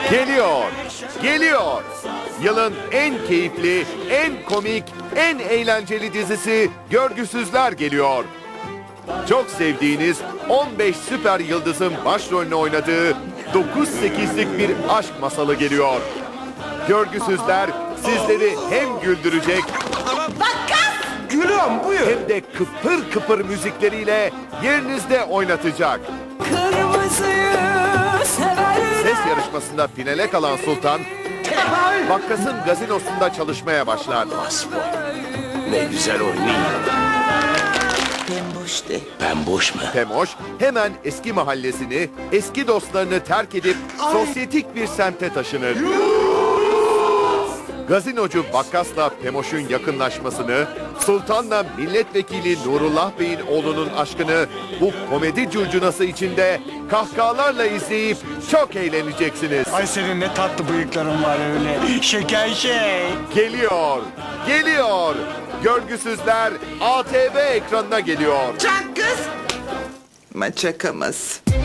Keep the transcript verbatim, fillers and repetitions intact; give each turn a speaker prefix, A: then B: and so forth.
A: Geliyor, geliyor. Yılın en keyifli, en komik, en eğlenceli dizisi Görgüsüzler geliyor. Çok sevdiğiniz on beş süper yıldızın başrolünü oynadığı dokuz sekizlik bir aşk masalı geliyor. Görgüsüzler sizleri hem güldürecek
B: Gülüm buyur.
A: hem de kıpır kıpır müzikleriyle yerinizde oynatacak.
C: Kırmızıyı severim.
A: Ses yarışmasında finale kalan Sultan, Bakkas'ın gazinosunda çalışmaya başlar.
B: Ne güzel oynuyor. Ben boş de. Ben boş mu?
A: Temoş hemen eski mahallesini, eski dostlarını terk edip sosyetik bir semte taşınır. Gazinocu Bakkas'la Pemoş'un yakınlaşmasını, Sultan'la milletvekili Nurullah Bey'in oğlunun aşkını bu komedi curcunası içinde kahkahalarla izleyip çok eğleneceksiniz.
D: Ay senin ne tatlı bıyıkların var öyle. Şeker şey.
A: Geliyor, geliyor. Görgüsüzler A T V ekranına geliyor.
E: Çak kız. Maçakamaz.